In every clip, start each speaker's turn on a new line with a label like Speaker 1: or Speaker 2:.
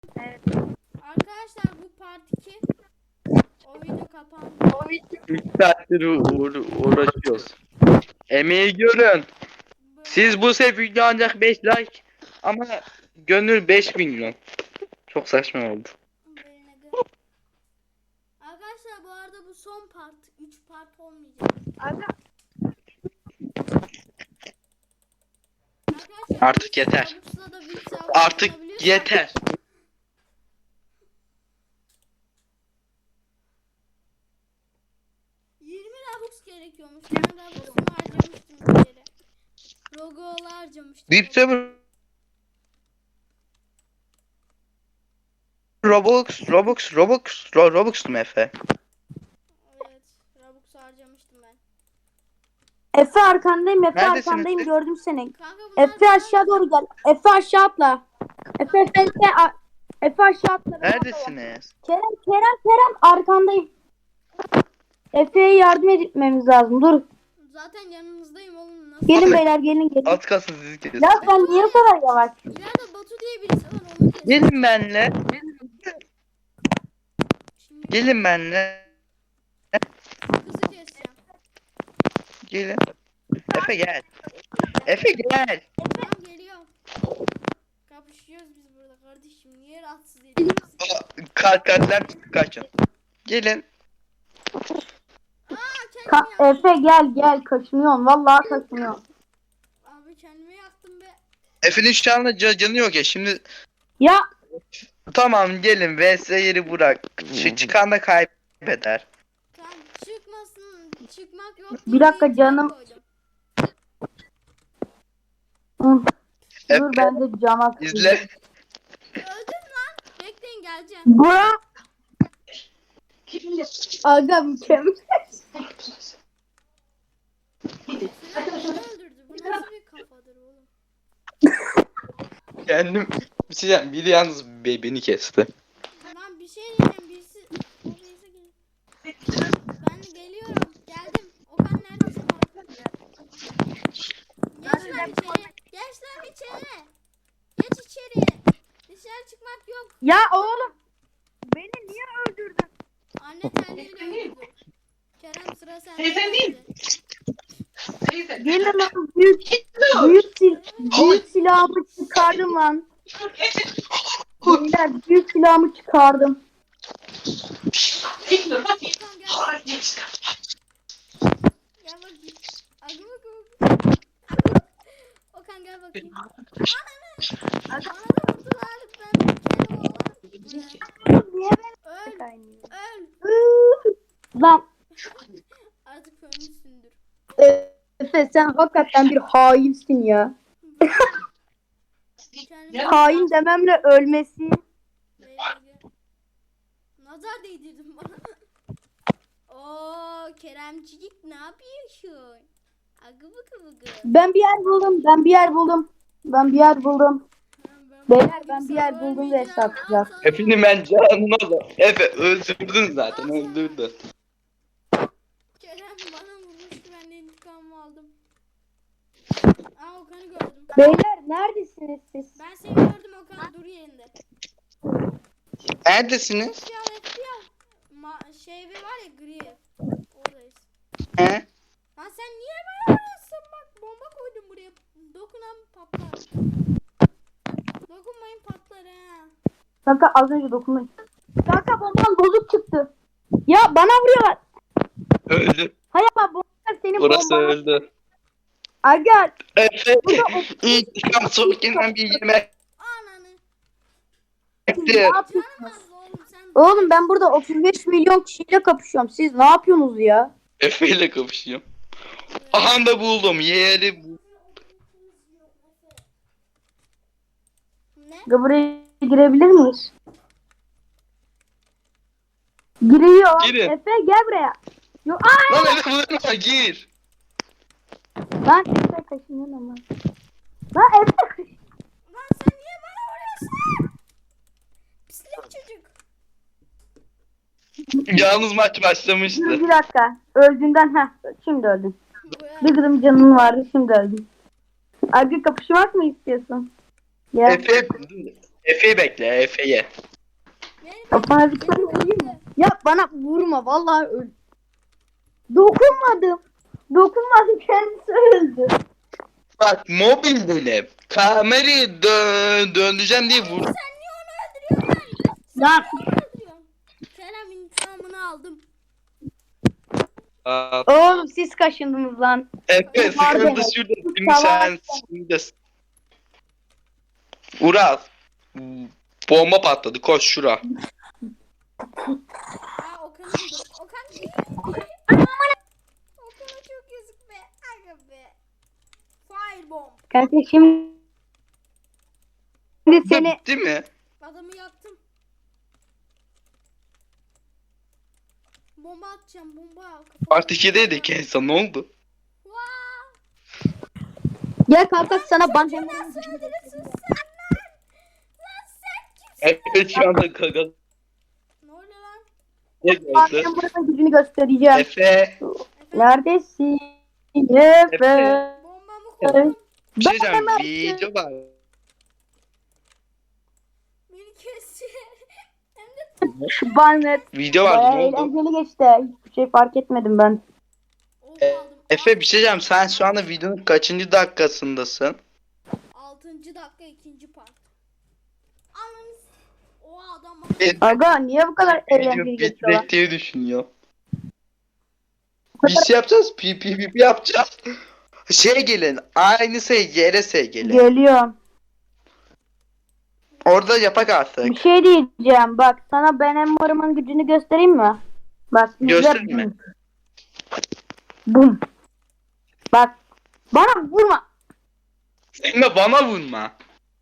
Speaker 1: Evet.
Speaker 2: Arkadaşlar bu part 2. O video kapandı.
Speaker 3: 3 saattir uğraşıyoruz. Emeği görün. Siz bu sefer video ancak 5 like ama gönül 5 milyon. Çok saçma oldu.
Speaker 2: Arkadaşlar bu arada bu son part. 3 part olmayacak.
Speaker 1: Aga
Speaker 2: Arkadaşlar
Speaker 3: Artık yeter.
Speaker 2: Robux'la da Wix
Speaker 3: Artık
Speaker 2: alabiliyorsak-
Speaker 3: yeter.
Speaker 2: 20 Robux gerekiyormuş. Ben Robux'umu harcamıştım bir kere. Rogo'lu harcamıştım.
Speaker 3: Deep Server Robux mu Efe?
Speaker 2: Evet. Robux harcamıştım ben.
Speaker 1: Efe arkandayım, Efe
Speaker 3: Neredesiniz
Speaker 1: arkandayım,
Speaker 3: siz?
Speaker 1: gördüm seni.
Speaker 2: Kanka bunlar
Speaker 1: Efe aşağı doğru gel. Efe aşağı atla. Efe aşağı atla.
Speaker 3: Neredesiniz?
Speaker 1: Kerem arkandayım. Efe'ye yardım etmemiz lazım. Dur.
Speaker 2: Zaten yanınızdayım oğlum. Nasıl?
Speaker 1: Gelin beyler, gelin.
Speaker 3: Alt kalsın sizi kesin.
Speaker 1: Ya sen niye bu kadar yavaş?
Speaker 2: İleride Batu diye birisi var onu kes.
Speaker 3: Gelin benle.
Speaker 2: Şimdi
Speaker 3: Gelin benle.
Speaker 2: kızı keseceğim.
Speaker 3: Gelin. Efe gel. Efe gel.
Speaker 2: Tamam geliyorum. Kapışıyoruz biz burada kardeşim. Niye rahatsız ediyorsun?
Speaker 3: Kalpler kaçın. Gelin.
Speaker 2: Kendimi yaktım.
Speaker 1: Efe gel kaçınıyorum. Vallahi kaçınıyorum.
Speaker 2: Abi kendimi yaktım be.
Speaker 3: Efe'nin şu anda canı yok ya. Şimdi
Speaker 1: Ya
Speaker 3: tamam gelin. VS yeri bırak. Çıkan da kaybeder.
Speaker 2: Tamam çıkmasın. Çıkmak yok.
Speaker 1: Bir dakika
Speaker 2: diye
Speaker 1: canım.
Speaker 2: koydum.
Speaker 1: dur
Speaker 3: Efe
Speaker 1: ben de cama
Speaker 3: izle.
Speaker 2: Öldüm lan. Bekleyin geleceğim.
Speaker 1: Bura. Aga mükemmel.
Speaker 2: Silah beni öldürdü. Bu nasıl bir kafadır oğlum?
Speaker 3: Kendim bir şey diyeceğim. Biri yalnız beni kesti.
Speaker 2: Lan bir şey diyeceğim. Birisi... O birisi gel. Ben de geliyorum. Geldim. Okan neredesin? Geç lan içeri. Geç lan içeri. Geç içeri. Dışarı çıkmak yok.
Speaker 1: Ya oğlum. Beni niye öldürdün?
Speaker 2: Anne terliğiyle öldürdü. Kerem sıra sende.
Speaker 1: Gelin lan büyük silahımı çıkardım lan. Beyler büyük silahımı çıkardım.
Speaker 2: Okan gel. Gel bakayım. Agı bakayım. Okan gel bakayım. Ananı vurdular. Ben bir kere oğlan.
Speaker 1: Niye
Speaker 2: Öl.
Speaker 1: ben
Speaker 2: Öl.
Speaker 1: Lan
Speaker 2: Artık ölmüşsündür.
Speaker 1: Efe sen hakikaten bir hainsin ya.
Speaker 2: Kendimi-
Speaker 1: Hain dememle ölmesi.
Speaker 2: Nazar değdirdim bana. Oo Keremcik ne yapıyorsun? Agı bıkı bıkı.
Speaker 1: Ben bir yer buldum. Beyler ben bir yer buldum ve satacağım.
Speaker 3: Efe'nin ben canına da. Efe öldürdün zaten öldürdün.
Speaker 2: Kerem bana vurmuştu ben de intikamımı aldım. Aa Okan'ı gördüm.
Speaker 1: Beyler neredesiniz siz?
Speaker 2: Ben seni gördüm Okan dur yerinde.
Speaker 3: Neredesiniz?
Speaker 2: FPL. Şey bir var ya gri ev. Oradayız.
Speaker 3: He?
Speaker 2: Lan sen niye bana vuruyorsun bak bomba koydum buraya. Dokunan patlar. Dokunmayın patlar ha.
Speaker 1: Kanka az önce dokundum. Kanka bombam bozuk çıktı. Ya bana vuruyorlar.
Speaker 3: Öldü.
Speaker 1: Hayır ama bomba senin
Speaker 3: Burası
Speaker 1: bomban.
Speaker 3: öldü.
Speaker 1: Aga
Speaker 3: Efe intikam soğukken bir yemek
Speaker 2: Ananı.
Speaker 1: siz ne
Speaker 3: yedi.
Speaker 1: yapıyorsunuz?
Speaker 2: Canım az oğlum sen.
Speaker 1: Oğlum ben burada 35 milyon kişiyle kapışıyorum. Siz ne yapıyorsunuz ya?
Speaker 3: Efe ile kapışıyorum. Aha da buldum yeri.
Speaker 2: Ne?
Speaker 1: Ya buraya girebilir miyiz? Giriyor.
Speaker 3: Girin.
Speaker 1: Efe gel buraya. Yo, aa!
Speaker 3: Lan Efe vurma gir.
Speaker 1: Lan Efe kaşınıyor ama. Lan Efe.
Speaker 2: Lan sen niye bana vuruyorsun? Pislik çocuk.
Speaker 3: Yalnız maç başlamıştı.
Speaker 1: Dur bir dakika. Öldüğünden şimdi öldün.
Speaker 2: Buraya.
Speaker 1: Bir gıdım canın vardı şimdi öldün. Abi kapışmak mı istiyorsun? Gel.
Speaker 3: Efe Efe'yi bekle, Efe'yi.
Speaker 1: Kafana bir tane vurayım mı? Ya bana vurma vallahi öl. Dokunmadım. Dokunmadım, kendisi öldü.
Speaker 3: Bak mobil benim. Kamerayı döndüreceğim diye vur.
Speaker 2: Sen niye onu öldürüyorsun?
Speaker 1: Lan
Speaker 2: Öldürüyorsun. Kerem intikamını aldım.
Speaker 3: Aa,
Speaker 1: oğlum siz kaşındınız lan.
Speaker 3: Efe sıkıntı şurada. Şimdi sen şimdi. Ural. Bomba patladı. Koş şura.
Speaker 2: Aa Okan'ın Okan değil. Okan'a çok yazık be. Aga be. Firebomb.
Speaker 1: Kardeşim şimdi seni
Speaker 3: Bitti mi?
Speaker 2: Adamı yaktım. Bomba atacağım. Bomba al.
Speaker 3: Part 2'deydik en son ne oldu?
Speaker 2: Vaa!
Speaker 1: gel kanka sana ban
Speaker 2: Nasıl öldürürsün sen lan? Lan sen kimsin?
Speaker 3: Efe şu anda kagalı.
Speaker 2: Ne oluyor lan?
Speaker 1: Bankem buranın gücünü göstereceğim.
Speaker 3: Efe.
Speaker 2: Efendim?
Speaker 1: Neredesin? Efe.
Speaker 2: Bombamı koydum.
Speaker 3: Bir şey diyeceğim.
Speaker 1: Ben-
Speaker 3: Video var.
Speaker 2: Beni kesiyor. Hem de
Speaker 1: Bannet.
Speaker 3: Video vardı
Speaker 1: Bayağı
Speaker 3: ne oldu?
Speaker 1: eğlenceli geçti. Hiçbir şey fark etmedim ben.
Speaker 2: ok aldım.
Speaker 3: Efe bir şey diyeceğim. Sen şu anda videonun kaçıncı dakikasındasın?
Speaker 2: 6. dakika 2. part. Ananız. O adam
Speaker 1: Aga niye bu kadar
Speaker 3: Video
Speaker 1: eğlenceli geçiyor?
Speaker 3: bitecek diye düşünüyor. Biz şey yapacağız. PPP yapacağız. Şey gelin. Aynı yere gelin.
Speaker 1: Geliyor.
Speaker 3: Orada yapak artık.
Speaker 1: Bir şey diyeceğim. Bak sana ben Emmar'ımın gücünü göstereyim mi? Bak. izle.
Speaker 3: Gösterme.
Speaker 1: Bum. Bak. Bana vurma.
Speaker 3: Sen de bana vurma.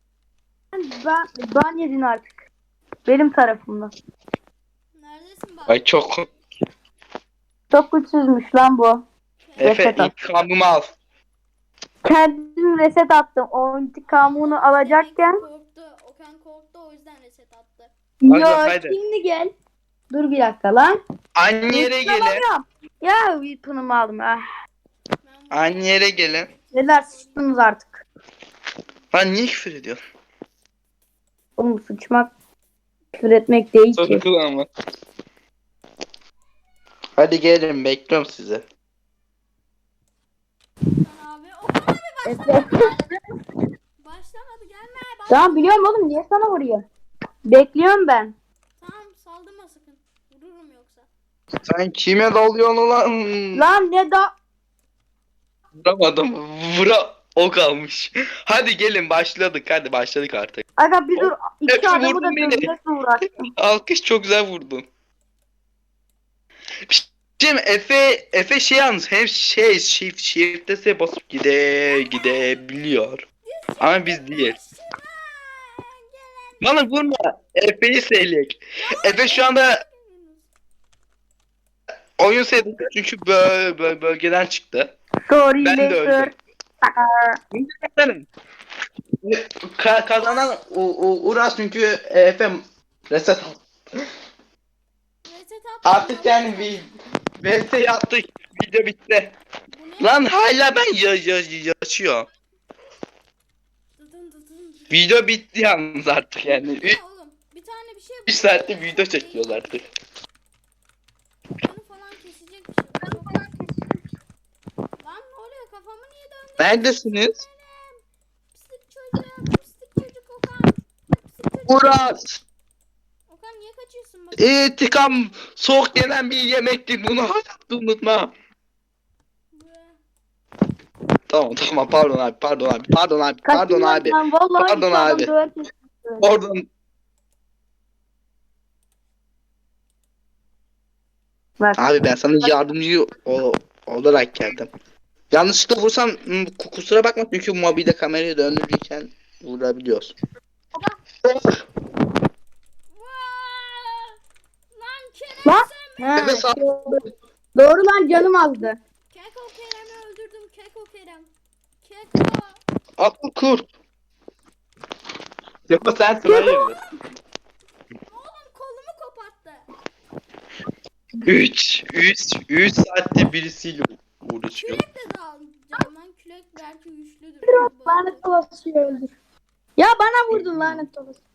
Speaker 1: Ben yedin artık. Benim tarafımda.
Speaker 2: neredesin bak?
Speaker 3: Ay çok.
Speaker 1: Çok güçsüzmüş lan bu.
Speaker 3: Efe
Speaker 1: Reset at.
Speaker 3: intikamımı al.
Speaker 1: Kendim reset attım. O intikamını alacakken.
Speaker 2: Korktu. Okan korktu o yüzden reset attı.
Speaker 3: Hadi,
Speaker 1: Yo
Speaker 3: hadi.
Speaker 1: şimdi gel. Dur bir dakika lan.
Speaker 3: Aynı yere gelin.
Speaker 1: Alamıyorum. Ya weapon'ımı aldım. Ah.
Speaker 2: Ben bu-
Speaker 3: Aynı yere gelin.
Speaker 1: Neler sıçtınız artık.
Speaker 3: Lan niye küfür ediyorsun?
Speaker 1: Oğlum sıçmak küfür etmek değil ki.
Speaker 3: Sakın ama. Hadi gelin bekliyorum sizi.
Speaker 2: Okan abi. Okan abi
Speaker 1: Evet.
Speaker 2: başlamadı gelme.
Speaker 1: Tamam biliyorum oğlum niye sana vuruyor? Bekliyorum ben.
Speaker 2: Tamam saldırma sakın. Vururum yoksa.
Speaker 3: Sen kime dalıyorsun lan?
Speaker 1: Lan ne da...
Speaker 3: Vuramadım. O kalmış. Hadi gelin başladık. Hadi başladık artık.
Speaker 1: Aga bir dur. İki
Speaker 3: Hepsi
Speaker 1: adamı
Speaker 3: vurdun
Speaker 1: da
Speaker 3: beni.
Speaker 1: dövmekle uğraştım.
Speaker 3: Alkış çok güzel vurdun. Şimdi Efe şey yalnız hem shift'e basıp gidebiliyor. Ama biz değil.
Speaker 2: Gelen.
Speaker 3: Bana vurma. Efe'yi seylek. Efe şu anda oyun sevdi çünkü bölgeden çıktı.
Speaker 1: Sorry
Speaker 3: Ben de
Speaker 1: later.
Speaker 3: öldüm. Kazanan Uras çünkü Efe reset
Speaker 2: Reset attım.
Speaker 3: artık yani VS yaptık. Video bitti.
Speaker 2: Bu ne?
Speaker 3: Lan hala ben yaşıyor.
Speaker 2: Dıdın dıdın dıdın.
Speaker 3: Video bitti yalnız artık yani.
Speaker 2: Bu ne oğlum? Bir tane bir şey
Speaker 3: 3 saatte video çekiyoruz artık.
Speaker 2: Bunu falan kesecek bir şey. Bunu falan kesecek. Lan ne oluyor? Kafamı niye döndürdün?
Speaker 3: Neredesiniz?
Speaker 2: Pislik çocuk. Pislik çocuk Okan. Pislik çocuk.
Speaker 3: Uras!
Speaker 2: Okan niye kaçıyorsun bak?
Speaker 3: İntikam soğuk yenen bir yemektir. Bunu hayatta unutma. Tamam pardon abi. Pardon abi.
Speaker 1: Lan vallahi
Speaker 3: Pardon
Speaker 1: iki adam
Speaker 3: abi.
Speaker 1: döverken-
Speaker 3: Oradan
Speaker 1: Bak.
Speaker 3: abi ben sana yardımcı olarak geldim. Yanlışlıkla vursam kusura bakma çünkü mobilde kamerayı döndürürken vurabiliyorsun.
Speaker 2: Vaa! Lan Kerem
Speaker 1: Lan.
Speaker 2: sen mi?
Speaker 1: Ha,
Speaker 3: Efe sağ-
Speaker 1: doğru lan canım azdı.
Speaker 2: Keko Kerem'i öldürdüm. Keko Kerem. Keko.
Speaker 3: Akıl kurt. Yapma sensin hayırdır.
Speaker 2: Oğlum kolumu koparttı.
Speaker 3: 3 saatte birisiyle uğraşıyor.
Speaker 2: Kürek de dağılacağım lan. Kürek belki güçlüdür.
Speaker 1: Lanet olası öldür. Ya bana vurdun lanet olası.